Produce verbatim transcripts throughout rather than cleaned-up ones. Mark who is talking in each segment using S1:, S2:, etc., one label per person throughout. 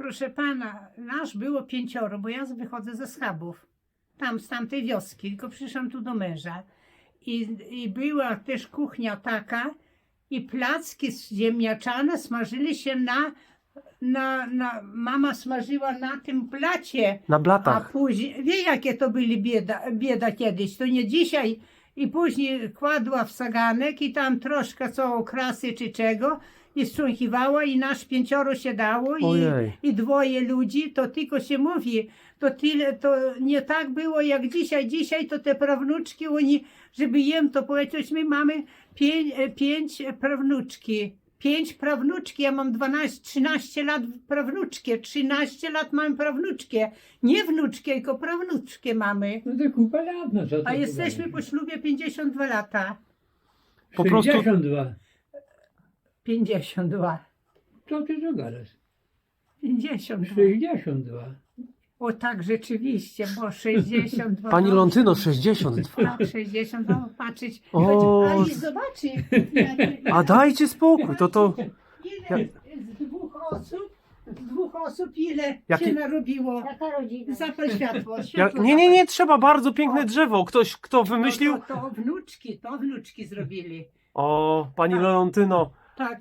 S1: Proszę pana, nas było pięcioro, bo ja wychodzę ze Schabów, tam z tamtej wioski, tylko przyszłam tu do męża. I, i była też kuchnia taka i placki ziemniaczane smażyli się na, na, na mama smażyła na tym blacie.
S2: Na
S1: A
S2: blatach.
S1: później, wie jakie to byli bieda, bieda kiedyś, to nie dzisiaj. I później kładła w saganek i tam troszkę co okrasy czy czego i strząchiwała i nasz pięcioro się dało i,
S2: Ojej.
S1: i dwoje ludzi, to tylko się mówi, to tyle, to nie tak było jak dzisiaj. Dzisiaj to te prawnuczki, oni, żeby jem to powiedzieć, my mamy pięć, pięć prawnuczki. Pięć prawnuczki, ja mam dwanaście, trzynaście lat prawnuczkie, trzynaście lat mam prawnuczkie, nie wnuczkie, tylko prawnuczkie mamy.
S3: No to kupa lat, no co to
S1: A jesteśmy
S3: gadać?
S1: po ślubie pięćdziesiąt dwa lata.
S2: Po prostu-
S3: sześćdziesiąt dwa.
S1: pięćdziesiąt dwa.
S3: Co ty tu gadasz?
S1: pięćdziesiąt dwa.
S3: sześćdziesiąt dwa.
S1: O tak, rzeczywiście, bo sześćdziesiąt dwa.
S2: Pani
S1: no,
S2: Lontyno, sześćdziesiąt dwa.
S1: Tak, sześćdziesiąt dwa, patrzeć.
S2: O,
S1: Ale zobaczy, jak-
S2: A dajcie spokój, to to...
S1: ile z dwóch osób, z dwóch osób ile
S2: Jakie-
S1: się narobiło.
S4: Jaka rodzina?
S1: Zapal światło.
S2: Ja,
S1: światło
S2: nie, nie,
S1: zapal.
S2: nie, trzeba, bardzo piękne drzewo. Ktoś, kto wymyślił...
S1: To, to, to wnuczki, to wnuczki zrobili.
S2: O, pani
S1: Tak.
S2: Lontyno.
S1: Tak,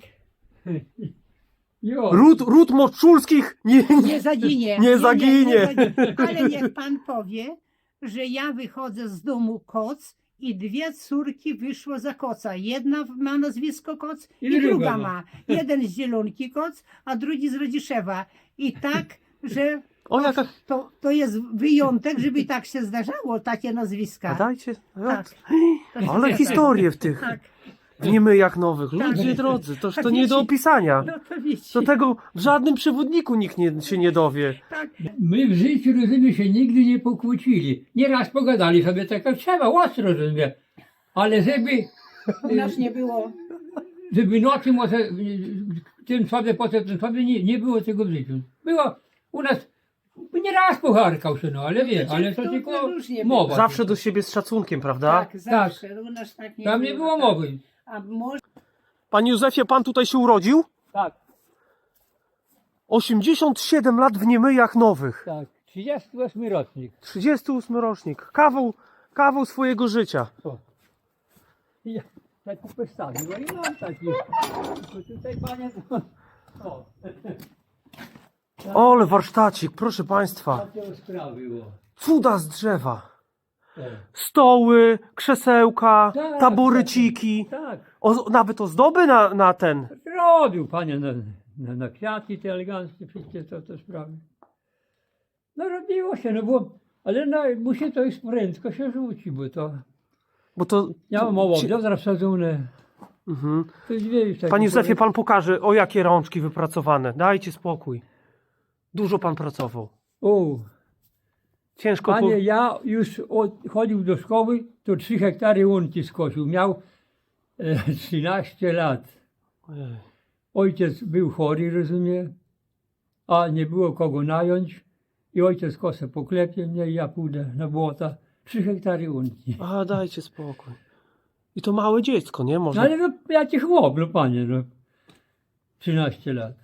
S3: Jo.
S2: Ród, ród Moczulskich nie, nie,
S1: nie zaginie.
S2: Nie zaginie.
S1: zaginie. Ale niech pan powie, że ja wychodzę z domu Koc i dwie córki wyszło za Koca. Jedna ma nazwisko Koc i,
S3: I druga
S1: druga
S3: ma.
S1: ma. Jeden z Zielonki Koc, a drugi z Rodziszewa. I tak, że
S2: O, jaka...
S1: to, to jest wyjątek, żeby tak się zdarzało, takie
S2: A
S1: nazwiska.
S2: dajcie...
S1: Tak.
S2: Ale historie w tych...
S1: Tak,
S2: W niemyjach nowych. Ludzie
S1: Tak.
S2: drodzy, toż
S1: Tak
S2: to nie do
S1: wiecie.
S2: opisania.
S1: no to wiecie.
S2: Do tego w żadnym przewodniku nikt nie, się nie dowie.
S1: Tak,
S3: My w życiu, rozumiem, się nigdy nie pokłócili. Nieraz pogadali sobie tak jak trzeba, ostro, rozumiem. Ale żeby,
S1: u nas nie było.
S3: żeby nocy może tym sobie, potem tym sobie, nie, nie było tego w życiu. Było u nas, nieraz pocharkał się, no ale wie, ale to
S1: to
S3: tylko
S1: różnie
S3: mowa.
S2: Zawsze do siebie z szacunkiem, prawda?
S1: Tak, zawsze. U nas tak nie
S3: Tam
S1: było.
S3: nie było
S1: tak.
S3: mowy.
S1: A może
S2: Panie Józefie, pan tutaj się urodził?
S3: Tak,
S2: osiemdziesiąt siedem lat w niemyjach nowych.
S3: tak. trzydziesty ósmy rocznik.
S2: trzydziesty ósmy rocznik. Kawał, kawał swojego życia.
S3: O. I ja taki postawił, a i mam taki. Tylko tutaj panie to... O,
S2: Ole warsztacik, proszę państwa.
S3: takie sprawy było.
S2: Cuda z drzewa.
S3: O.
S2: Stoły, krzesełka,
S3: Tak,
S2: taboryciki.
S3: Tak,
S2: O, nawet ozdoby na, na ten.
S3: robił panie na, na, na kwiaty te eleganckie, wszystkie to, to sprawy. No robiło się, no bo, ale no, musi to już prędko się rzuci, bo to,
S2: Bo to...
S3: ja mam mało
S2: Ci-
S3: wiodra wsadzone,
S2: Mhm.
S3: to już wiesz, tak
S2: Panie Józefie, pan pokaże, o jakie rączki wypracowane. Dajcie spokój. Dużo pan pracował.
S3: O,
S2: Ciężko...
S3: panie,
S2: Po...
S3: ja już od, chodził do szkoły, to trzy hektary łąki skosił, miał e, trzynaście lat.
S2: Ojej.
S3: Ojciec był chory, rozumie, a nie było kogo nająć i ojciec kosę poklepie mnie i ja pójdę na błota. Trzy hektary łąki.
S2: A, dajcie spokój. I to małe dziecko, nie?
S3: No
S2: Można...
S3: ale no, jaki chłop, no panie, no. trzynaście lat.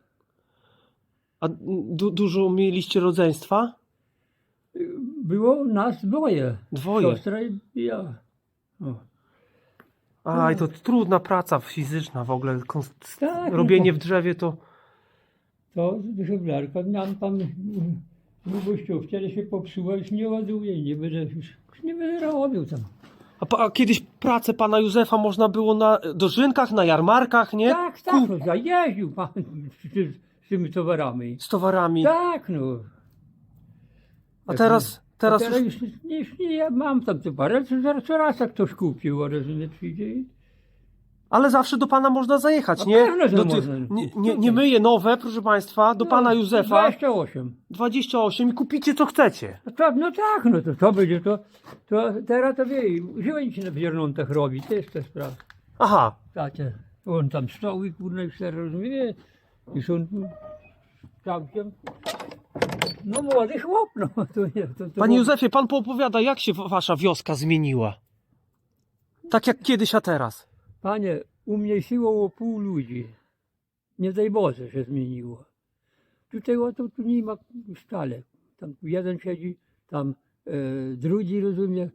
S2: A du dużo mieliście rodzeństwa?
S3: Było nas dwoje.
S2: Dwoje.
S3: Siostra i ja. O.
S2: Aj, to trudna praca fizyczna w ogóle. Konst-
S3: Tak, no
S2: Robienie
S3: to-
S2: w drzewie to...
S3: To żeglarka, miałem tam długościówkę, ale się popsuła, już nie ładuję, nie będę już, już nie będę robił tam.
S2: A, pa- a kiedyś pracę pana Józefa można było na dożynkach, na jarmarkach, nie?
S3: Tak, tak, no, ja jeździł pan z, z tymi towarami.
S2: Z towarami.
S3: Tak, no.
S2: A teraz, teraz
S3: A teraz
S2: już...
S3: już, nie, już nie, ja mam tam te parę, co, zaraz- co raz jak ktoś kupił, a rozumie, przyjdzie i...
S2: Ale zawsze do pana można zajechać,
S3: A
S2: nie?
S3: pewno, że
S2: Do tych,
S3: można.
S2: nie, nie, nie myję nowe, proszę państwa, do pana Józefa
S3: dwadzieścia osiem.
S2: dwadzieścia osiem i kupicie co chcecie.
S3: No, to, no tak, no to, to będzie to, to teraz to wie, żyłem się na wiernontach robi, też te sprawy.
S2: Aha,
S3: Takie, on tam stoły, kurna, i все rozumie, i są tu całkiem, no młody chłop, no. To, nie, to, to
S2: panie Józefie, pan poopowiada, jak się w- wasza wioska zmieniła? Tak jak kiedyś, a teraz.
S3: Panie, umniejszyło o pół ludzi. Nie daj Boże, się zmieniło. tutaj o to tu nie ma stale. Tam jeden siedzi, tam e, drugi, rozumie.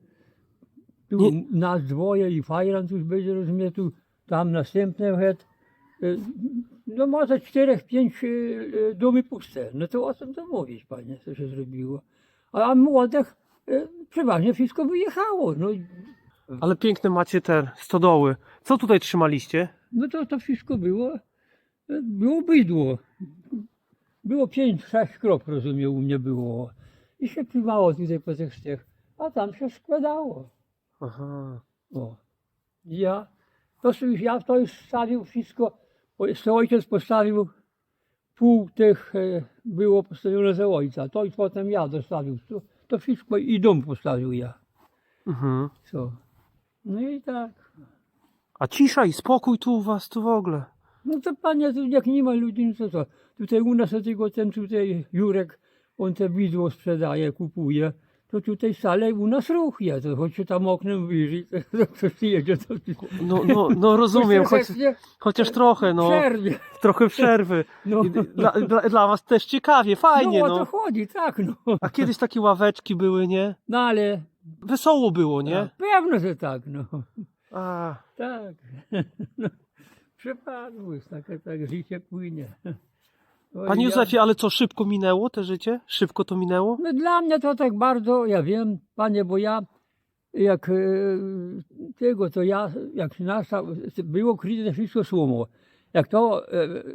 S3: Tu
S2: Nie-
S3: nas dwoje i fajran tu będzie, rozumie, tu tam następny het. E, no może czterech, pięć e, e, domy puste. No to o czym to mówić, panie, co się zrobiło. A, a młodych e, przeważnie wszystko wyjechało. No,
S2: Ale piękne macie te stodoły. Co tutaj trzymaliście?
S3: no to, to wszystko było, e, było bydło. Było pięć, sześć krop, rozumiem, u mnie było. I się pływało tutaj po tych stech, a tam się składało.
S2: Aha.
S3: O. I ja, to sobie, ja to już stawił wszystko, bo jeszcze ojciec postawił, pół tych e, było postawione za ojca, to i potem ja dostawił. To, to wszystko i dom postawił ja.
S2: Mhm.
S3: Co? No i tak.
S2: A cisza i spokój tu u was, tu w ogóle.
S3: No to panie, tu jak nie ma ludzi, no to co? Tutaj u nas tylko ten tutaj Jurek, on te widło sprzedaje, kupuje. To tutaj wcale u nas ruch jest, to choć się tam oknem wyjrzy, to ktoś jedzie, to
S2: No, no, no rozumiem, choć,
S3: Troszeczkę
S2: chociaż trochę, no.
S3: przerwie.
S2: Trochę przerwy.
S3: No,
S2: I Dla, dla, dla was też ciekawie, fajnie,
S3: no o to
S2: no.
S3: chodzi, tak no.
S2: A kiedyś takie ławeczki były, nie?
S3: No ale
S2: Wesoło było, nie?
S3: no, pewno, że tak, no.
S2: A,
S3: Tak. No, przypadło, jest takie tak życie płynie. Oj,
S2: Panie
S3: ja-
S2: Józefie, ale co, szybko minęło te życie? Szybko to minęło?
S3: No dla mnie to tak bardzo, ja wiem, panie, bo ja jak e, tego, to ja, jak nasza, było kryte wszystko słomo. Jak to e, e,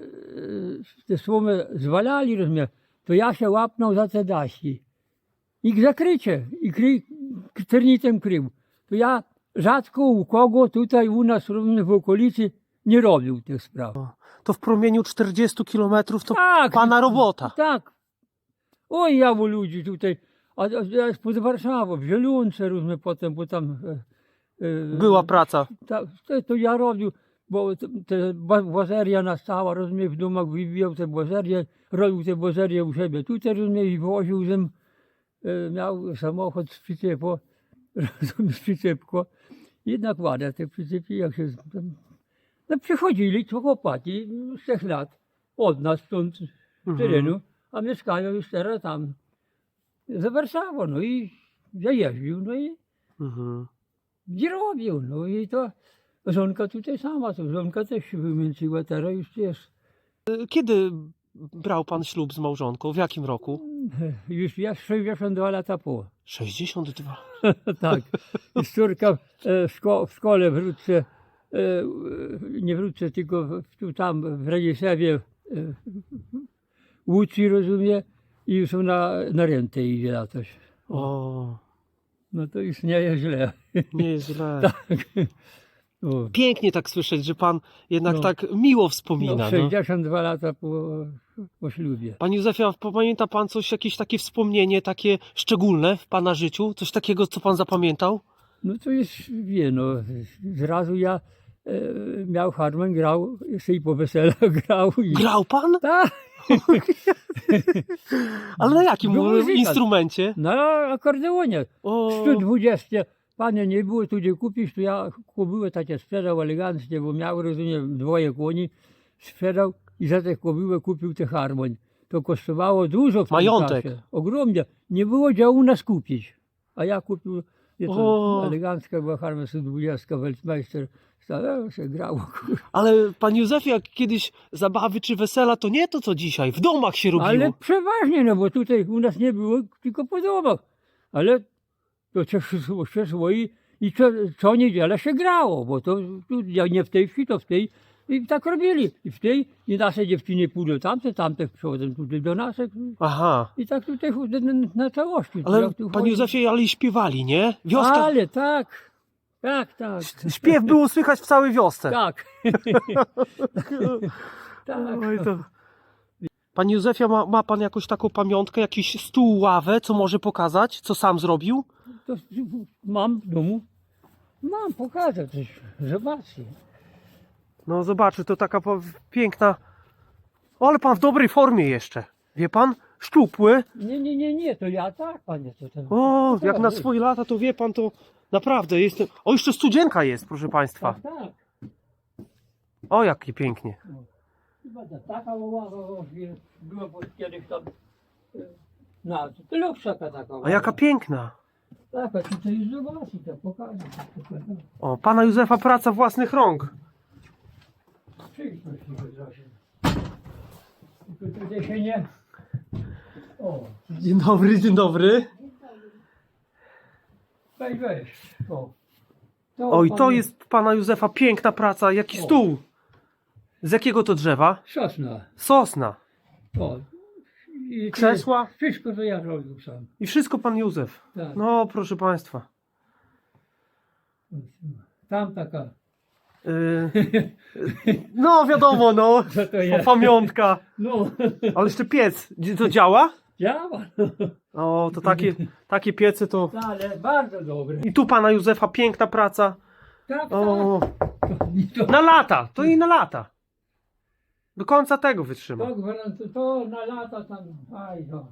S3: te słomy zwalali, rozumiem, to ja się łapnął za te dasi. I zakrycie, i kry, ternitem krył. To ja rzadko u kogo tutaj u nas rozumiem, w okolicy nie robił tych spraw.
S2: To w promieniu czterdziestu kilometrów to
S3: Tak.
S2: pana robota.
S3: Tak. Oj, ja u ludzi tutaj, a, a ja pod Warszawą, w Zielonce, rozumiem, potem, bo tam... E, e,
S2: Była praca.
S3: Ta, to, to ja robił, bo te, te ba- błazeria nastała, rozumiem, w domach wybijał te błazerie, robił te błazerie u siebie. Tutaj, rozumiem, i woził zem, e, miał samochód z przyczepo, rozumiem, z przyczepko. Jednak ładne te przyczepy, jak się... Tam, no przychodzili to chłopaki z trzech lat od nas stąd, z terenu, a mieszkają już teraz tam za Warszawą, no i ja jeździł, no i
S2: Mhm.
S3: i robił, no i to żonka tutaj sama, to żonka też się wymęczyła, teraz już też,
S2: Kiedy brał pan ślub z małżonką? W jakim roku?
S3: już ja sześćdziesiąt dwa lata po.
S2: sześćdziesiąt dwa.
S3: Tak, i córka e, w, szko- w szkole wrócę, e, nie wrócę, tylko w- tu tam w Radiszewie e, uczy, rozumie, i już na, na rentę idzie latać.
S2: O,
S3: No to już nie jest źle.
S2: nie jest źle.
S3: Tak. O.
S2: Pięknie tak słyszeć, że pan jednak
S3: No.
S2: tak miło
S3: No,
S2: wspomina. No.
S3: sześćdziesiąt dwa lata po, po ślubie.
S2: Panie Józefie, a pamięta pan coś, jakieś takie wspomnienie takie szczególne w pana życiu? Coś takiego, co pan zapamiętał?
S3: No to jest, wie, no, zrazu ja e, miał harmon, grał, jeszcze i po weselach grał. I,
S2: Grał pan?
S3: tak,
S2: Ale na jakim
S3: Był muzykant.
S2: instrumencie?
S3: na akordeonie.
S2: O,
S3: sto dwadzieścia, panie, nie było tu gdzie kupić, to ja kubyłę takie sprzedał eleganckie, bo miał, rozumiem, dwoje koni, sprzedał i za te kubyłę kupił te harmoń. To kosztowało dużo w tym
S2: Majątek.
S3: czasie, ogromnie. Nie było gdzie u nas kupić, a ja kupił, je
S2: O.
S3: to elegancka była harmonia sto dwadzieścia, Weltmeister, stało się grało.
S2: ale panie Józefie, jak kiedyś zabawy czy wesela, to nie to co dzisiaj, w domach się robiło.
S3: Ale przeważnie, no bo tutaj u nas nie było, tylko po domach. Ale to też szło, się szło i, i co, co niedzielę się grało, bo to tu, ja nie w tej wsi, to w tej. I tak robili. I w tej, i nasze dziewczyny pójdą tamte, tamte przychodzą tutaj do nas.
S2: Aha.
S3: I tak tutaj na, na, na całości.
S2: Ale
S3: Jak tu
S2: panie
S3: chodzi.
S2: Józefie, ale i śpiewali, nie? Wioska.
S3: Ale tak, tak, tak.
S2: Śpiew było słychać w całej wiosce.
S3: Tak. tak.
S2: Oj, to... Panie Józefie, ma, ma pan jakąś taką pamiątkę, jakiś stół, ławę, co może pokazać, co sam zrobił?
S3: To mam w domu. Mam, pokażę coś. Zobaczcie.
S2: No zobaczy, to taka po- piękna... O, ale pan w dobrej formie jeszcze. Wie pan? Szczupły.
S3: Nie, nie, nie, nie, to ja tak, panie. To ten,
S2: O,
S3: to
S2: jak na
S3: tak,
S2: swoje lata, to wie pan, to naprawdę jestem... O, jeszcze studzienka jest, proszę państwa.
S3: Tak, tak.
S2: O, jakie pięknie.
S3: Chyba ta taka ława właśnie była bo kiedyś tam e, na tyle wszaka taka
S2: A jaka piękna.
S3: Taka, tutaj już zobaczyć, to pokażę.
S2: O, pana Józefa praca własnych rąk.
S3: Przyjdźmy się trochę. Tylko tutaj się nie... O,
S2: Dzień dobry, dzień dobry.
S3: weź, weź. O. To
S2: Oj,
S3: pan-
S2: to jest pana Józefa piękna praca. Jaki
S3: O.
S2: stół. Z jakiego to drzewa?
S3: Sosna.
S2: Sosna.
S3: O. I to
S2: Krzesła?
S3: jest- Wszystko to ja robił sam.
S2: I wszystko pan Józef.
S3: Tak.
S2: No, proszę państwa.
S3: Tam taka.
S2: Yy, no, wiadomo, no.
S3: Co to jest?
S2: Pamiątka.
S3: No,
S2: Ale jeszcze piec. Gdzie to działa?
S3: działa.
S2: O, to takie, takie piece to...
S3: Ale bardzo dobre.
S2: I tu pana Józefa piękna praca.
S3: Tak,
S2: O,
S3: tak. To,
S2: na lata. To i na lata. Do końca tego wytrzyma.
S3: to, to, to na lata tam. Aj, no.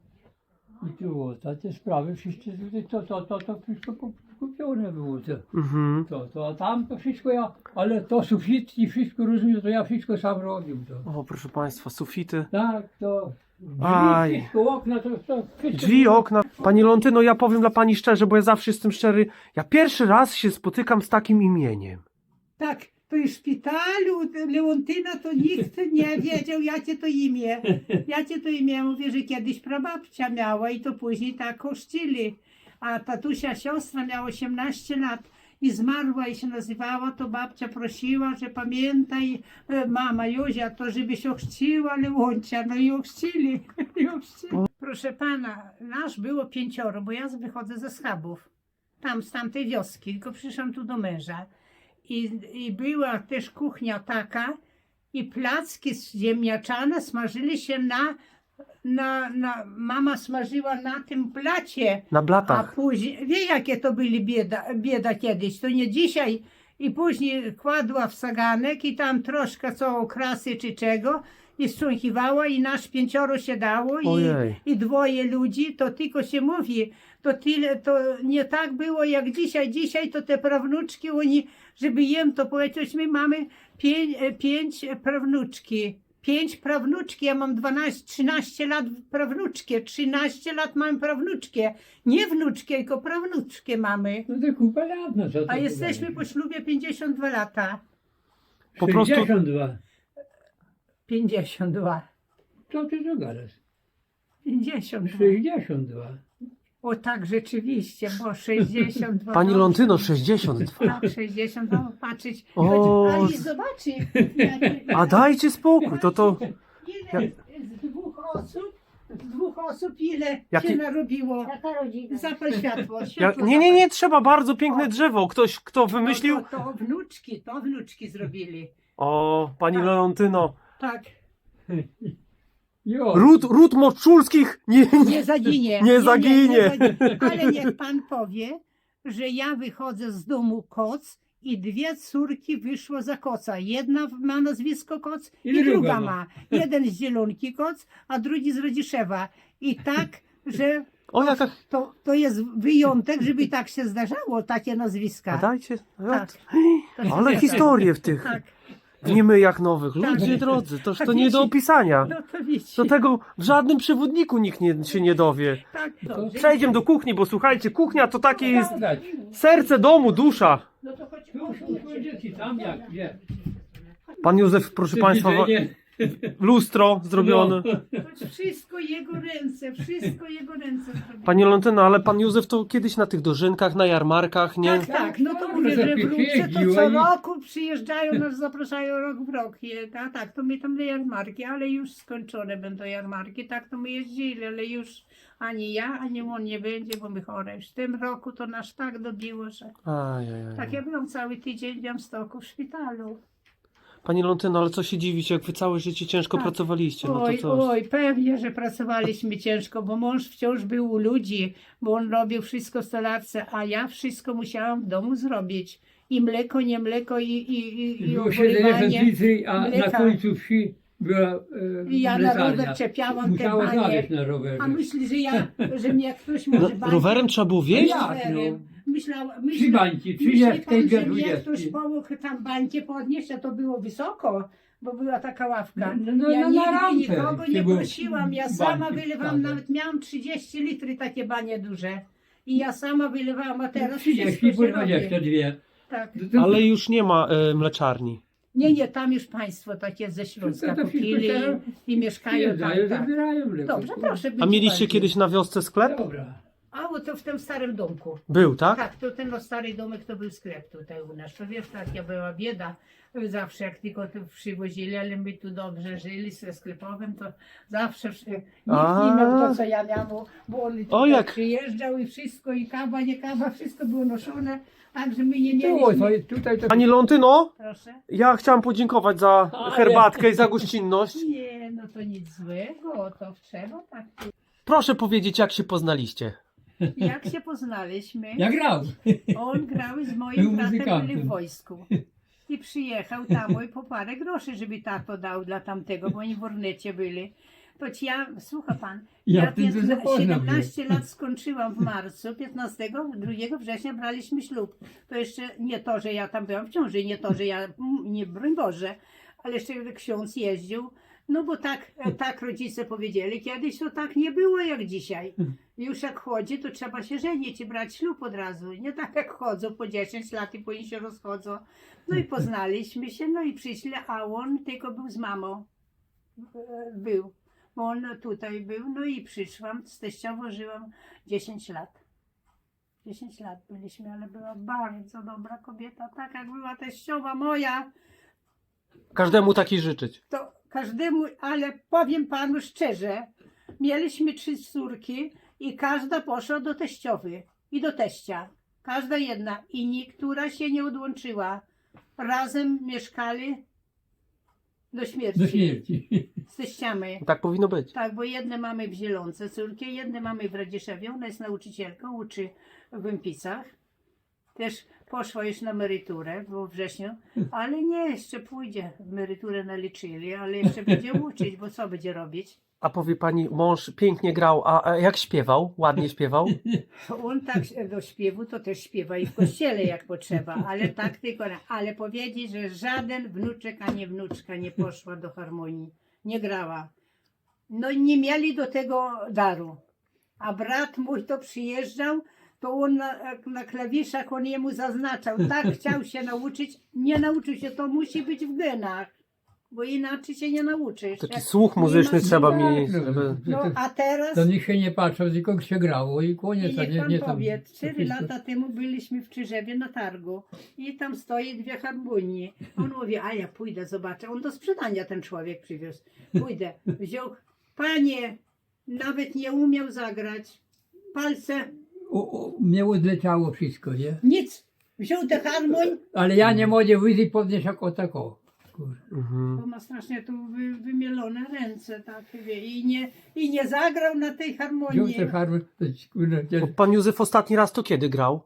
S3: I tu o, te, te sprawy wszystkie tutaj, to, to, to, to wszystko kupione było. To,
S2: Mhm.
S3: to, to, a tam to wszystko ja, ale to sufit i wszystko rozumiem, to ja wszystko sam robił. To.
S2: O, proszę państwa, sufity.
S3: Tak, to drzwi,
S2: Aj.
S3: wszystko, okna, to, to wszystko.
S2: Drzwi, okna. Pani Lontyno, ja powiem dla pani szczerze, bo ja zawsze jestem szczery. Ja pierwszy raz się spotykam z takim imieniem.
S1: Tak, to i w szpitalu Leontyna to nikt nie wiedział, jakie to imię. Jakie to imię, mówię, że kiedyś prababcia miała i to później tak chrzcili. A tatusia siostra miała osiemnaście lat i zmarła i się nazywała, to babcia prosiła, że pamiętaj e, mama Józia, to żeby się ochrzciła Leoncia, no i ochrzcili. I ochrzcili. Proszę pana, nas było pięcioro, bo ja wychodzę ze Schabów, tam z tamtej wioski, tylko przyszłam tu do męża. I, I była też kuchnia taka i placki ziemniaczane smażyli się na, na, na mama smażyła na tym blacie,
S2: Na
S1: a
S2: blatach.
S1: później, wie jakie to byli bieda, bieda kiedyś, to nie dzisiaj i później kładła w saganek i tam troszkę co okrasy czy czego i strząchiwała i nasz pięcioro się dało i,
S2: Ojej.
S1: i dwoje ludzi, to tylko się mówi, to tyle, to nie tak było jak dzisiaj, dzisiaj to te prawnuczki, oni, żeby jem to powiedzieć, my mamy pięć, pięć prawnuczki, pięć prawnuczki, ja mam dwanaście, trzynaście lat prawnuczkie, trzynaście lat mam prawnuczkie, nie wnuczkie, tylko prawnuczkie mamy,
S3: No to kupa lat, no co to
S1: a jesteśmy
S3: wydaje?
S1: po ślubie pięćdziesiąt dwa lata,
S2: Po prostu-
S3: sześćdziesiąt dwa.
S1: pięćdziesiąt dwa,
S3: Co ty tu gadasz?
S1: pięćdziesiąt dwa,
S3: sześćdziesiąt dwa.
S1: o tak rzeczywiście, bo sześćdziesiąt dwa.
S2: Pani
S1: to-
S2: Lontyno, sześćdziesiąt dwa.
S1: Tak, sześćdziesiąt dwa, patrzeć.
S2: O,
S1: Ale i zobaczy.
S2: A dajcie spokój, to to...
S1: Ile z dwóch osób, z dwóch osób ile
S2: Jaki-
S1: się narobiło?
S4: Jaka rodzina?
S1: Zapal światło.
S2: Ja,
S1: światło
S2: nie, nie,
S1: zapal.
S2: nie, trzeba bardzo piękne drzewo. Ktoś, kto wymyślił...
S1: To, to, to wnuczki, to wnuczki zrobili.
S2: O, pani Lontyno.
S1: Tak.
S3: Jo.
S2: Ród, ród Moczulskich nie...
S1: Nie zaginie.
S2: Nie zaginie.
S1: zaginie. Ale niech pan powie, że ja wychodzę z domu Koc i dwie córki wyszło za Koca. Jedna ma nazwisko Koc i,
S3: I
S1: druga,
S3: druga
S1: ma.
S3: ma.
S1: Jeden z Zielonki Koc, a drugi z Rodziszewa. I tak, że
S2: O, jaka...
S1: to, to jest wyjątek, żeby tak się zdarzało, takie
S2: A
S1: nazwiska.
S2: dajcie...
S1: Tak. To się
S2: Ale
S1: zdarza.
S2: historie w tych...
S1: Tak.
S2: W niemyjach nowych. Ludzie
S1: Tak.
S2: drodzy, toż
S1: Tak
S2: to nie do
S1: wiecie.
S2: opisania.
S1: No to wiecie.
S2: Do tego w żadnym przewodniku nikt nie, się nie dowie.
S1: Tak,
S3: To
S1: dobrze.
S2: Przejdziemy do kuchni, bo słuchajcie, kuchnia to takie jest
S3: Gadać.
S2: serce domu, dusza.
S1: No to chodź,
S3: Tu
S1: chodź,
S3: są dzieci, tam jak, gdzie?
S2: Pan Józef, proszę Państwa, wa-
S3: Widzenie.
S2: lustro zrobione.
S3: No.
S1: chodź. Wszystko jego ręce, wszystko jego ręce zrobione.
S2: Panie Lontyno, ale Pan Józef to kiedyś na tych dożynkach, na jarmarkach, nie?
S1: Tak, tak, no to
S3: Tak,
S1: mówię,
S3: że
S1: że wrócę, to
S3: jeździł,
S1: co
S3: a i-
S1: roku przyjeżdżają, nas zapraszają rok w rok. Je- A tak, to my tam na jarmarki, ale już skończone będą jarmarki, tak to my jeździli, ale już ani ja, ani on nie będzie, bo my chore. Już w tym roku to nas tak dobiło, że
S2: Ajajaj.
S1: tak ja byłam cały tydzień w Białymstoku w szpitalu.
S2: Panie Lontyno, ale co się dziwić, jak Wy całe życie ciężko
S1: Tak.
S2: pracowaliście, no to
S1: Oj,
S2: co?
S1: oj, pewnie, że pracowaliśmy ciężko, bo mąż wciąż był u ludzi, bo on robił wszystko w stolarce, a ja wszystko musiałam w domu zrobić. I mleko, nie mleko, i, i, i, i
S3: Było siedemdziesiąt
S1: obrywanie.
S3: litry, a na
S1: mleka.
S3: końcu wsi była e,
S1: I ja na
S3: mleczarnia.
S1: rower czepiałam te
S3: Musiała
S1: banie.
S3: znaleźć na rowerze.
S1: A myśli, że ja, że mnie ktoś
S2: No,
S1: może banie-
S2: rowerem trzeba było wieść?
S3: Ja.
S1: rowerem. Myślała,
S3: Trzy
S1: myśla,
S3: bańki,
S1: myśli
S3: trzydziestkę
S1: pan,
S3: i dwie
S1: że mnie ktoś
S3: dwudziestki.
S1: pomógł tam bańkę podnieść, a to było wysoko. bo była taka ławka.
S3: No, no,
S1: ja
S3: no, na
S1: nigdy
S3: rampę
S1: nikogo
S3: się
S1: nie
S3: było
S1: prosiłam, ja
S3: bańki
S1: sama wylewam,
S3: wsadzać.
S1: nawet miałam trzydzieści litrów takie banie duże. I ja sama wylewałam, a teraz
S3: trzydzieści,
S1: wszystko się
S3: dwadzieścia
S1: robi.
S3: dwie.
S1: Tak.
S2: Ale już nie ma e, mleczarni.
S1: Nie, nie, tam już państwo takie ze Śląska
S3: To- to wszystko
S1: kupili
S3: teraz
S1: i mieszkają tam.
S3: Przyjeżdżają,
S1: Tak.
S3: zabierają mleko.
S1: Dobrze, proszę być
S2: A mieliście
S1: bardziej.
S2: kiedyś na wiosce sklep?
S3: Dobra.
S1: A, bo to w tym starym domku.
S2: Był, tak?
S1: Tak, to ten no, stary domek to był sklep tutaj u nas. To wiesz, taka była bieda. Zawsze jak tylko tu przywozili, ale my tu dobrze żyli ze sklepowym, to zawsze wszy- nikt
S2: A.
S1: nie miał to, co ja miałam, bo- bo on
S2: O,
S1: tutaj
S2: jak-
S1: przyjeżdżał i wszystko, i kawa, nie kawa, wszystko było noszone, także my nie
S3: Tu,
S1: mieliśmy.
S3: to, jest- tutaj to...
S2: Pani Lontyno,
S1: Proszę.
S2: ja chciałam podziękować za
S3: Ale-
S2: herbatkę i za gościnność.
S1: Nie, no to nic złego, to trzeba tak.
S2: Proszę powiedzieć, jak się poznaliście.
S1: Jak się poznaliśmy?
S3: Ja grał.
S1: On grał z
S3: Był
S1: moim bratem,
S3: muzykantem.
S1: byli w wojsku. I przyjechał tam i po parę groszy, żeby tato dał dla tamtego, bo oni w Ornecie byli. To ci ja, słucha pan,
S3: Ja
S1: ja
S3: w tym to
S1: piętna-
S3: zapoznam
S1: siedemnaście lat skończyłam w marcu, piętnastego drugiego września braliśmy ślub. To jeszcze nie to, że ja tam byłam w ciąży, nie to, że ja, mm, nie broń Boże, ale jeszcze ksiądz jeździł. No bo tak, tak rodzice powiedzieli, kiedyś to tak nie było jak dzisiaj. Już jak chodzi, to trzeba się żenić i brać ślub od razu. Nie tak jak chodzą po dziesięć lat i później się rozchodzą. No i poznaliśmy się, no i przyszli, a on tylko był z mamą. E, Był. Bo on tutaj był, no i przyszłam, z teściową żyłam dziesięć lat. dziesięć lat byliśmy, ale była bardzo dobra kobieta, tak jak była teściowa moja.
S2: Każdemu takiej życzyć.
S1: To każdemu, ale powiem panu szczerze, mieliśmy trzy córki i każda poszła do teściowy i do teścia. Każda jedna i niektóra się nie odłączyła. Razem mieszkali do śmierci.
S3: Do śmierci.
S1: Z teściami.
S2: Tak powinno być.
S1: Tak, bo jedne mamy w Zielonce córki, jedne mamy w Radziszewie. Ona jest nauczycielką, uczy w Wympicach. Też poszła już na emeryturę we wrześniu, ale nie, jeszcze pójdzie. Emeryturę naliczyli, ale jeszcze będzie uczyć, bo co będzie robić?
S2: A powie pani, mąż pięknie grał, a a jak śpiewał? Ładnie śpiewał?
S1: On tak do śpiewu to też śpiewa i w kościele jak potrzeba, ale tak tylko, ale powiedzieć, że żaden wnuczek ani wnuczka nie poszła do harmonii, nie grała. No i nie mieli do tego daru. A brat mój to przyjeżdżał, to on na, na klawiszach, on jemu zaznaczał, tak chciał się nauczyć, nie nauczył się, to musi być w genach, bo inaczej się nie nauczysz.
S2: Taki
S1: Jak
S2: słuch
S1: nie
S2: muzyczny
S1: masz-
S2: trzeba
S3: tak,
S2: mieć.
S3: no,
S2: Żeby...
S1: No a teraz...
S3: To nikt się nie patrzył, tylko się grało i
S1: I
S3: koniec. a
S1: niech
S3: nie,
S1: pan
S3: nie tam.
S1: powie,
S3: to
S1: cztery
S3: wszystko-
S1: lata temu byliśmy w Czyżewie na targu i tam stoi dwie harmonie. On mówi, a ja pójdę, zobaczę. On do sprzedania ten człowiek przywiózł. Pójdę. Wziął, panie, nawet nie umiał zagrać. Palce,
S3: O, o, mnie odleciało wszystko, nie?
S1: nic. Wziął te harmoń,
S3: Ale ja nie mogę wyjść podnieść jako tako. Kurde.
S2: Mhm.
S1: bo ma strasznie tu wy, wymielone ręce, tak, wie, i nie, i nie zagrał na tej
S3: Wziął
S1: harmonii.
S3: te farmy, to ci, kurde,
S2: Bo
S3: gdzie-
S2: pan Józef ostatni raz to kiedy grał?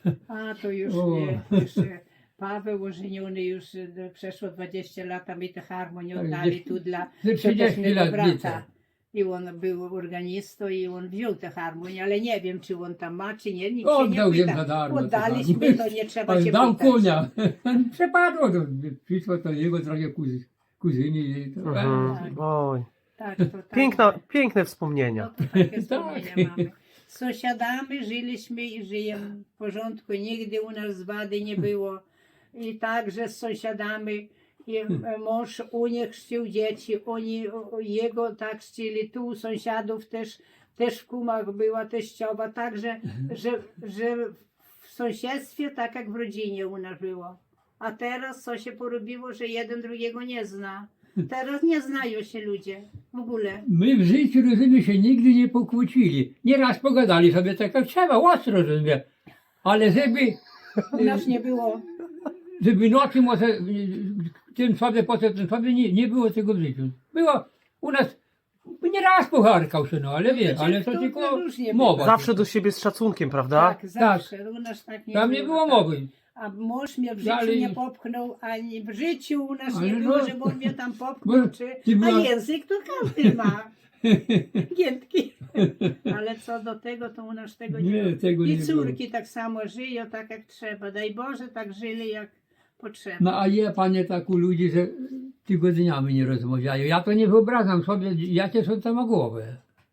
S1: A to już
S3: O.
S1: nie, już e, Paweł ożeniony już e, przeszło dwadzieścia lat, a my te harmonię
S3: Tak,
S1: oddali
S3: gdzieś-
S1: tu dla
S3: ze trzydzieści
S1: mego
S3: lat
S1: brata.
S3: widzę.
S1: I on był organistą i on wziął tę harmonię, ale nie wiem, czy on tam ma, czy nie, nikt się
S3: Oddał
S1: nie
S3: jem
S1: pyta.
S3: za darmo. te
S1: Oddaliśmy,
S3: farmy.
S1: to nie trzeba
S3: Ale
S1: się
S3: dał
S1: pytać.
S3: konia. Przepadło to. Przyszło to jego drogie kuzy, kuzyni. I to,
S2: Mhm.
S1: tak.
S2: Oj.
S1: Tak, to tak.
S2: Piękna, piękne
S1: No
S2: wspomnienia.
S1: to takie
S3: Tak.
S1: wspomnienia mamy. Z sąsiadami żyliśmy i żyjemy w porządku. Nigdy u nas wady nie było. I także z sąsiadami. I e, mąż u nich chrzcił dzieci. Oni o, o, jego tak chrzcili. Tu u sąsiadów też, też w Kumach była teściowa. Także, że, że w sąsiedztwie tak jak w rodzinie u nas było. A teraz co się porobiło, że jeden drugiego nie zna. Teraz nie znają się ludzie w ogóle.
S3: My w życiu, rozumiem, się nigdy nie pokłócili. Nieraz pogadali sobie tak jak trzeba, ostro, rozumiem. Ale żeby,
S1: U nas nie było.
S3: żeby nocy może tym sobie, potem tym sobie, nie, nie było tego w życiu. Było u nas, nieraz pocharkał się, no ale wie,
S1: to
S3: ale to
S1: to
S3: tylko
S1: różnie
S3: mowa.
S2: Zawsze do siebie z szacunkiem, prawda?
S1: Tak, zawsze. U nas tak nie
S3: Tam
S1: było.
S3: nie było
S1: tak.
S3: mowy.
S1: A mąż mnie w życiu
S3: Dalej-
S1: nie popchnął, ani w życiu u nas
S3: Ale
S1: nie
S3: no-
S1: było, żeby on mnie tam popchnął,
S3: Bo
S1: czy...
S3: ty
S1: A
S3: była-
S1: język to każdy ma. Giętki. Ale co do tego, to u nas tego nie,
S3: Nie,
S1: było.
S3: tego
S1: I
S3: nie
S1: córki tak samo żyją, tak jak trzeba. Daj Boże, tak żyli jak potrzebne.
S3: No a je panie tak u ludzi, że tygodniami nie rozmawiają. Ja to nie wyobrażam sobie, jakie są tam głowy.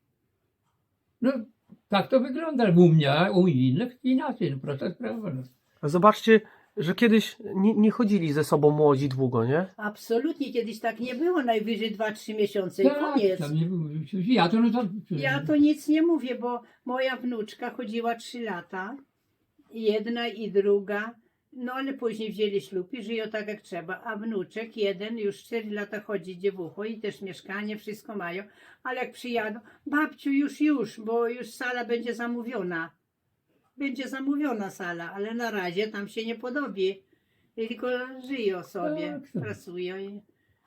S3: No tak to wygląda u mnie, a u innych inaczej, no prosta sprawa. No.
S2: Zobaczcie, że kiedyś nie, nie chodzili ze sobą młodzi długo, nie?
S1: Absolutnie, kiedyś tak nie było, najwyżej dwa trzy miesiące i koniec.
S3: tam nie, ja to no to...
S1: Ja to nic nie mówię, bo moja wnuczka chodziła trzy lata, jedna i druga, no ale później wzięli ślub i żyją tak jak trzeba, a wnuczek jeden już cztery lata chodzi dziewucho i też mieszkanie, wszystko mają, ale jak przyjadą, babciu już, już, bo już sala będzie zamówiona. Będzie zamówiona sala, ale na razie tam się nie podobi, tylko żyją sobie,
S3: Tak, tak.
S1: pracują. I...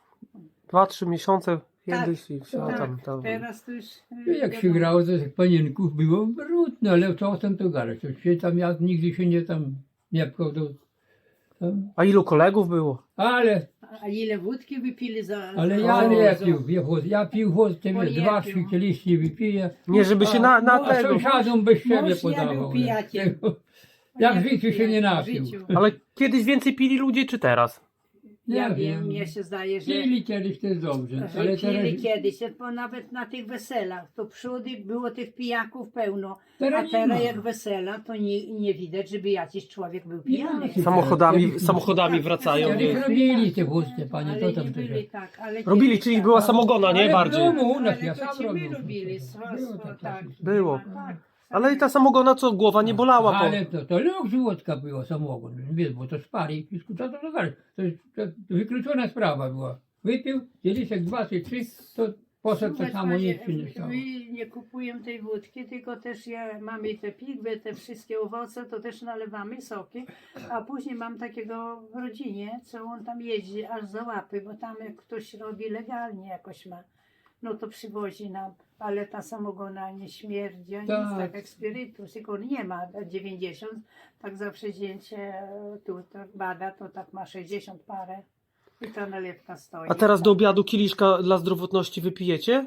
S2: Dwa, trzy miesiące kiedyś
S1: Tak,
S2: i все
S1: tak,
S2: tam, tam.
S1: teraz to już...
S3: No jak się grało, to tych panienków było brudno, ale czasem to gadać. To się tam, ja nigdy się nie tam nie pchał do... Tam.
S2: A ilu kolegów było?
S3: Ale,
S1: A ile wódki wypili za...
S3: ale
S1: za
S3: ja
S2: O,
S3: nie
S1: za-
S3: pił, ja, wód- ja pił wód, te
S1: O,
S3: wiesz,
S1: nie
S3: dwa,
S1: pił.
S3: trzy kieliszki wypiję,
S2: Nie, żeby się na, na
S1: A,
S3: a
S2: tego...
S3: sąsiadom bez siebie
S1: mąż nie
S3: podawał.
S1: był pijakiem.
S3: Tego- Jak w
S1: Nie
S3: życiu
S1: był
S3: się nie
S1: pijakiem, w
S3: napił.
S1: życiu.
S2: Ale kiedyś więcej pili ludzie, czy teraz?
S1: Ja
S3: Nie
S1: wiem,
S3: wiem.
S1: mnie się zdaje, że...
S3: Pili kiedyś to jest dobrze,
S1: że
S3: ale
S1: pili
S3: teraz,
S1: kiedyś, bo nawet na tych weselach, to przódy było tych pijaków pełno,
S3: teraz
S1: a
S3: nie
S1: teraz
S3: ma.
S1: jak wesela, to nie, nie widać, żeby jakiś człowiek był pijany.
S3: ma.
S2: Samochodami,
S3: Kiedyś-
S2: samochodami wracają.
S3: Kiedyś
S2: Nie?
S3: robili te wódki, panie,
S1: Ale
S3: to
S1: nie
S3: tam to
S1: byli
S3: się...
S1: tak, ale
S2: Robili,
S1: kiedyś
S2: czyli
S1: tak.
S2: była samogona, nie?
S3: Ale
S2: Bardziej.
S3: w domu u nas,
S1: Ale
S3: ja
S1: to
S3: sam
S1: ci my
S3: robił.
S1: robili, swa-
S3: Było
S1: swa-
S3: tak,
S1: tak.
S3: tak.
S2: Było.
S1: Tak.
S2: Ale i ta samogona, co głowa nie bolała. Po...
S3: Ale to, to luks wódka była samogon, wiesz, bo to spali i to, to, to, to, jest- to wykluczona sprawa była. Wypił, kieliszek dwa czy trzy, to poszedł to
S1: Słuchaj,
S3: samo,
S1: panie,
S3: nic się nie stało.
S1: my nie kupujemy tej wódki, tylko też ja, mamy te pigwy, te wszystkie owoce, to też nalewamy soki, a później mam takiego w rodzinie, co on tam jeździ aż za łapy, bo tam jak ktoś robi legalnie jakoś ma, no to przywozi nam, ale ta samogona nie śmierdzi, ani
S3: Tak.
S1: nic tak jak spirytus, tylko on nie ma dziewięćdziesiąt, tak zawsze zdjęcie tu tak bada, to tak ma sześćdziesiąt parę i ta nalewka stoi.
S2: A teraz do obiadu kieliszka dla zdrowotności wypijecie?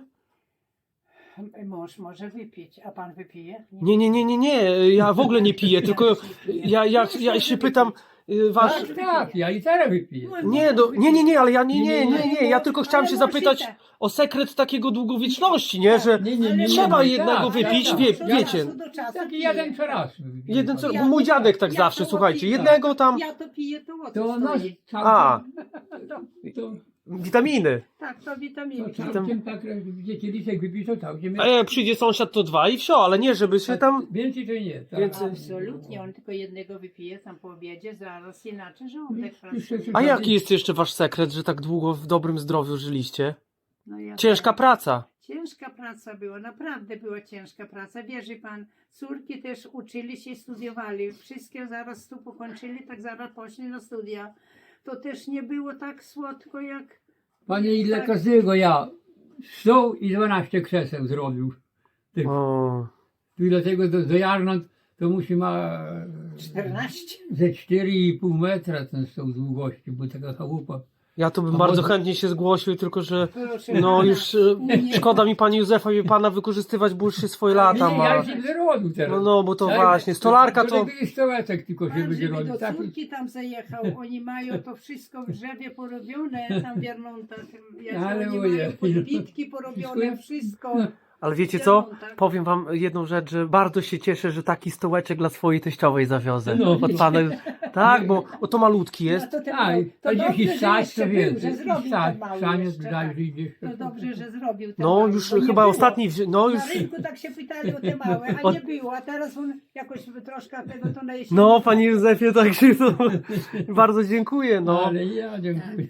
S1: Mąż może wypić, a pan wypije?
S2: Nie, nie, nie, nie, nie. Ja w ogóle nie piję, tylko ja, ja, ja się pytam, y, wasz...
S3: Tak, tak, ja i teraz wypiję.
S2: Nie, do, nie, nie, nie, ale ja nie, nie, nie, nie. Ja tylko chciałem
S1: Ale
S2: się
S1: mąż
S2: zapytać
S1: i tak.
S2: o sekret takiego długowieczności, nie? Że
S3: Nie, nie, nie, nie,
S2: trzeba
S3: nie,
S2: jednego
S3: tak,
S2: wypić,
S3: tak,
S2: wie,
S3: tak.
S2: wiecie.
S3: Taki jeden co raz. wypiję.
S2: Jeden co,
S1: Ja
S2: bo mój
S1: to-
S2: dziadek tak
S1: ja
S2: zawsze,
S1: to
S2: słuchajcie,
S1: piję.
S2: jednego tam,
S1: Ja to piję, to o
S3: To
S1: co
S3: no,
S1: stoi?
S2: A.
S3: całkiem, to,
S2: witaminy.
S1: Tak, to
S3: to
S1: witaminy.
S3: całkiem tak, gdzie kieliszek wypić, to całkiem.
S2: A jak przyjdzie sąsiad, to dwa i wsio, ale nie, żeby się tam...
S3: Więcej to nie. Tak.
S2: Więcej-
S1: Absolutnie, on tylko jednego wypije tam po obiedzie, zaraz inaczej żołądek
S3: Jeszcze-
S1: pracuje.
S2: A jaki jest jeszcze wasz sekret, że tak długo w dobrym zdrowiu żyliście?
S1: No ja
S2: Ciężka
S1: tak-
S2: praca.
S1: Ciężka praca była, naprawdę była ciężka praca. Wierzy pan, córki też uczyli się, studiowali. Wszystkie zaraz tu pokończyli, tak zaraz poszli na studia. To też nie było tak słodko jak...
S3: Panie, ile
S1: tak.
S3: każdego ja sto i dwanaście krzeseł zrobił. Tych.
S2: O,
S3: Tu dlatego do, do Jarnąt to musi ma
S1: czternaście.
S3: ze cztery i pół metra ten stół długości, bo taka chałupa.
S2: ja to bym
S3: A
S2: bardzo
S3: może-
S2: chętnie się zgłosił, tylko że
S1: Proszę
S2: no
S1: pana.
S2: już e,
S1: Nie.
S2: szkoda mi pani Józefa i pana wykorzystywać, bo już się swoje lata
S3: Nie,
S2: ma.
S3: ja się zrobił teraz.
S2: No, no, bo to
S3: Tak,
S2: właśnie, stolarka to...
S3: Taki stołeczek tylko się
S1: Pan,
S3: będzie
S1: żeby
S3: robił.
S1: do
S3: Tak,
S1: córki tam zajechał, oni mają to wszystko w drzewie porobione, tam w Jarnontach,
S3: Ale
S1: oni
S3: ojej.
S1: mają podbitki porobione,
S3: Wszystko?
S1: wszystko.
S2: Ale wiecie
S1: w
S2: co?
S1: Jarnontach.
S2: Powiem wam jedną rzecz, że bardzo się cieszę, że taki stołeczek dla swojej teściowej zawiozę.
S3: No.
S2: Od pana... Tak, bo o, to malutki jest.
S1: No to, ten,
S3: A,
S1: to
S3: to
S1: dobrze,
S3: gdzieś
S1: że
S3: stać,
S1: jeszcze
S3: to
S1: był,
S3: więcej.
S1: że zrobił
S3: Stać,
S1: ten mały
S3: stanie
S1: jeszcze, tak.
S3: dajże gdzieś.
S1: To dobrze, że zrobił ten
S2: No
S1: mały,
S2: już
S1: bo nie
S2: chyba
S1: było.
S2: ostatni, wzi- no już...
S1: Na rynku tak się pytali o te małe, a
S2: Od-
S1: nie było, a teraz on jakoś troszkę tego to na jesieni.
S2: No, panie Józefie, tak się to... Bardzo dziękuję, no.
S3: Ale ja dziękuję.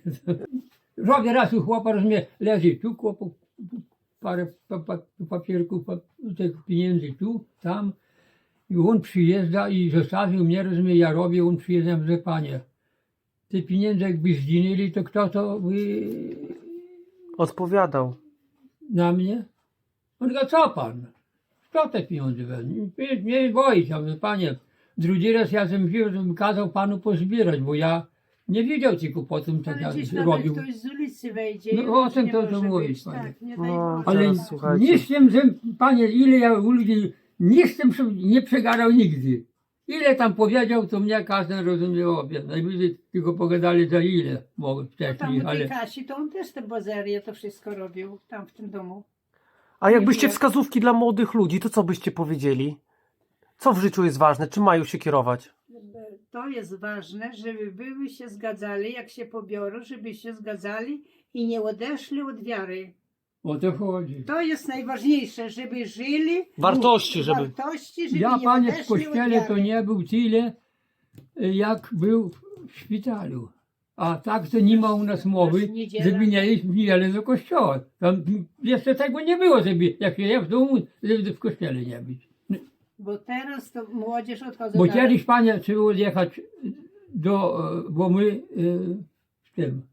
S3: Robię raz u chłopa, rozumie, leży tu chłopu, parę pa, pa, papierków, pa, tych pieniędzy tu, tam. I on przyjeżdża i zostawił mnie, rozumie, ja robię, on przyjeżdża, że panie, te pieniądze jakby zginęli, to kto to by
S2: Odpowiadał.
S3: na mnie? On mówi, co pan? Kto te pieniądze weźmie? Nie, nie boi się, ja mówię, panie, drugi raz ja bym wziął, żebym kazał panu pozbierać, bo ja nie wiedział tylko po tym, co
S1: Ale
S3: ja
S1: gdzieś nawet
S3: robił.
S1: ktoś z ulicy wejdzie.
S3: No,
S1: i
S3: o
S1: już
S3: tym
S1: nie
S3: to- to
S1: może
S3: mówi,
S1: być,
S3: panie.
S1: tak, nie daj
S2: No,
S1: Boże.
S3: Ale
S2: Teraz słuchajcie.
S3: nie z tym, że panie, ile ja u ludzi, nie z tym prze- nie przegarał nigdy. ile tam powiedział, to mnie każdy rozumiał obie. Najwyżej tylko pogadali za ile mogę
S1: Tam
S3: wcześniej,
S1: u tej
S3: ale
S1: Kasi to on też te bazerie, to wszystko robił tam w tym domu.
S2: A jakbyście
S1: Nie.
S2: wskazówki dla młodych ludzi, to co byście powiedzieli? Co w życiu jest ważne? Czym mają się kierować?
S1: To jest ważne, żeby były się zgadzali, jak się pobiorą, żeby się zgadzali i nie odeszli od wiary.
S3: o to chodzi.
S1: To jest najważniejsze, żeby żyli
S2: Wartości, żeby-
S1: wartości, żeby
S3: Ja,
S1: nie
S3: panie, w
S1: odeszli od
S3: kościele to
S1: wiary.
S3: nie był tyle, jak był w szpitalu. A tak to nie ma u nas mowy,
S1: Niedziela.
S3: żeby nie iść w niedzielę do kościoła. Tam jeszcze tego nie było, żeby jak się je w domu, żeby w kościele nie być.
S1: Bo teraz to młodzież odchodzą
S3: Bo
S1: na-
S3: kiedyś, panie, trzeba odjechać do, e, bo my e, w tym,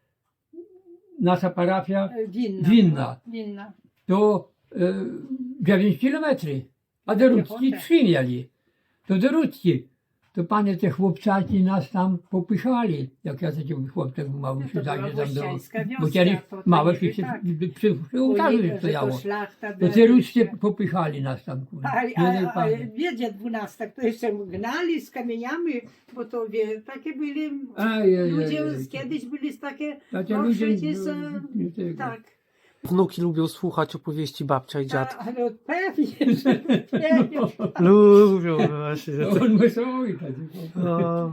S3: nasza parafia
S1: Winna.
S3: Winna.
S1: Winna.
S3: to e, dziewięć kilometrów, a do Rudzki
S1: Piechotę.
S3: trzy mieli. To do Rudzki. To panie, te chłopcaki nas tam popychali, jak ja takim chłopcem mały
S1: No
S3: się
S1: to
S3: zajdzie
S1: była
S3: tam do...
S1: włościańska wioska,
S3: Bo kiedyś
S1: to- to
S3: małe
S1: niby
S3: się się
S1: tak.
S3: przy, przy ołtarzu
S1: Bo je- że
S3: stojało.
S1: To szlachta
S3: To
S1: była
S3: te Rudzkie
S1: jeszcze.
S3: popychali nas tam. kurwa.
S1: A,
S3: Nie,
S1: a,
S3: nie,
S1: a
S3: panie.
S1: wiedzie dwunastak, to jeszcze gnali z kamieniami, bo to wie, takie byli,
S3: Aj, aj,
S1: ludzie
S3: aj, aj.
S1: kiedyś byli takie,
S3: Takie
S1: no
S3: ludzie,
S1: przecież,
S3: no,
S1: e,
S3: nie tego.
S1: tak,
S2: Wnuki lubią słuchać opowieści babcia i
S1: a,
S2: dziad.
S1: ale pewnie, że pewnie.
S2: Lubią właśnie.
S3: No, on wesoły taki.
S2: No.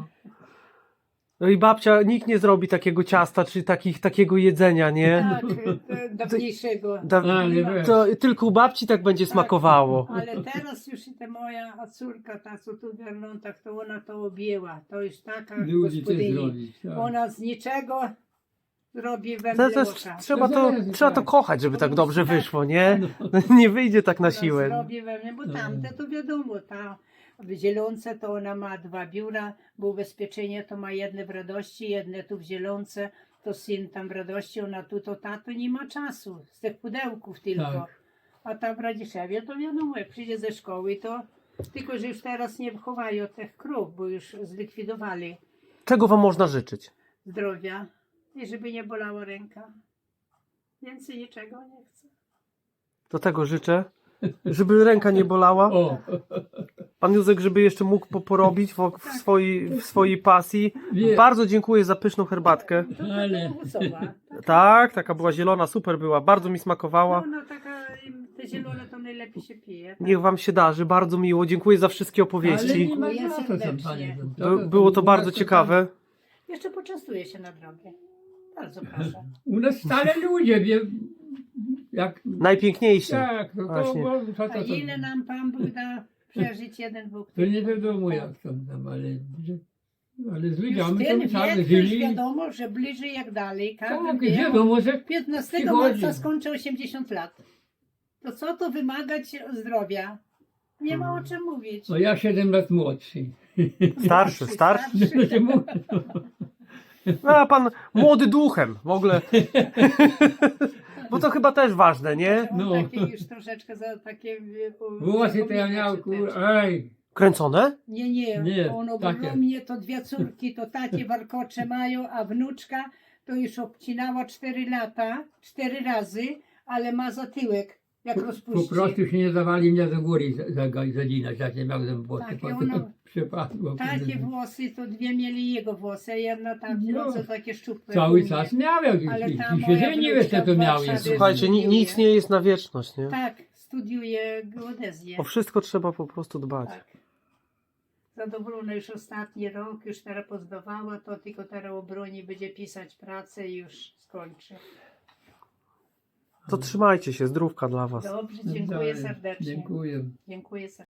S2: No i babcia, nikt nie zrobi takiego ciasta, czy takich, takiego jedzenia, nie?
S1: Tak, e, dawniejszego.
S2: Da,
S3: Ale weź.
S2: to tylko u babci tak będzie smakowało.
S1: Ale teraz już i ta moja córka, ta co tu w Wernontach, to ona to objęła. To już taka
S3: Ludzi też
S1: gospodyni.
S3: zrobić. Tak.
S1: Ona z niczego robi
S2: To,
S1: wędle
S2: to,
S1: oka.
S2: trzeba,
S3: To
S2: to,
S3: zależy,
S2: trzeba to
S3: tak.
S2: kochać, żeby tak dobrze
S1: Tak.
S2: wyszło, nie? Nie wyjdzie tak na
S1: Ona
S2: siłę.
S1: zrobi we mnie, bo tamte to wiadomo, ta w Zielonce to ona ma dwa biura, bo ubezpieczenie to ma jedne w Radości, jedne tu w Zielonce, to syn tam w Radości, ona tu, to tato nie ma czasu, z tych pudełków tylko.
S3: Tak.
S1: A tam w Radziszewie to wiadomo, jak przyjdzie ze szkoły, to tylko, że już teraz nie chowają tych krów, bo już zlikwidowali
S2: Czego wam można życzyć?
S1: zdrowia i żeby nie bolała ręka. Więcej niczego nie chcę.
S2: Do tego życzę, żeby ręka nie bolała.
S3: O,
S2: Pan Józek, żeby jeszcze mógł po- porobić w, w, swojej, w swojej pasji.
S3: Wie-
S2: Bardzo dziękuję za pyszną herbatkę.
S1: To
S3: Ale-
S1: taka owocowa.
S2: Tak, taka była zielona, super była, bardzo mi smakowała.
S1: No, no taka, im te zielone to najlepiej się pije. Tak?
S2: Niech wam się darzy, bardzo miło. Dziękuję za wszystkie
S3: ale
S2: opowieści.
S3: nie ma
S1: Dziękuję
S3: za to, tam,
S1: serdecznie.
S3: panie.
S2: By, było to
S3: u
S2: bardzo
S3: nas
S2: ciekawe.
S1: Jeszcze poczęstuję się na drogę. Bardzo proszę.
S3: tam- U nas stale ludzie, wie, jak...
S2: Najpiękniejsi.
S3: Tak, to, to,
S2: Właśnie.
S3: to, to,
S1: A
S3: to, to,
S1: ile nam Pan Bóg da przeżyć jeden Bóg?
S3: to nie wiadomo jak tam, tam ale, ale z
S1: Już
S3: ludźmi
S1: ten
S3: to tak
S1: wiek, to już
S3: żyli.
S1: wiadomo, że bliżej jak dalej. Każdy
S3: Tak,
S1: wie.
S3: wiadomo, że
S1: piętnastego
S3: przychodzi.
S1: marca skończę osiemdziesiąt lat. To co to wymagać zdrowia? Nie ma o czym mówić.
S3: no ja siedem lat młodszy.
S2: Starszy, starszy.
S3: Znaczy, mu-
S2: No, a pan młody duchem w ogóle. Bo to chyba też ważne, nie?
S1: On
S3: No.
S1: takie już troszeczkę za takie... u-
S3: Włosy to ja miał,
S1: zapomina się
S3: kur...
S1: też.
S3: Ej,
S2: Kręcone?
S1: Nie, nie,
S3: Nie,
S1: on
S3: takie.
S1: ogromnie, to dwie córki, to takie warkocze mają, a wnuczka to już obcinała cztery lata, cztery razy, ale ma zatyłek, jak
S3: po, po
S1: rozpuści.
S3: prostu się nie dawali mnie do góry za- za- zadzinać, jak nie miałem włosy.
S1: Tak, i
S3: Potem
S1: ono-
S3: przepadło.
S1: Takie włosy, to dwie mieli jego włosy, a jedna tam,
S3: No.
S1: no, co takie szczupłe.
S3: Cały
S1: u mnie.
S3: czas miał jakieś.
S1: Ale ta
S3: I
S1: moja
S3: się żenił
S1: wnuczka
S3: jeszcze to
S1: w
S3: miał
S1: Warszawie-
S3: jeszcze.
S2: Słuchajcie, ni, nic nie jest na wieczność, nie?
S1: Tak, studiuje geodezję.
S2: O wszystko trzeba po prostu dbać.
S1: Tak. Zadowolona już ostatni rok, już teraz pozdawała, to tylko teraz obroni, będzie pisać pracę i już skończy.
S2: To trzymajcie się, zdrówka dla was.
S1: Dobrze, dziękuję serdecznie.
S3: Dziękuję.
S1: Dziękuję serdecznie.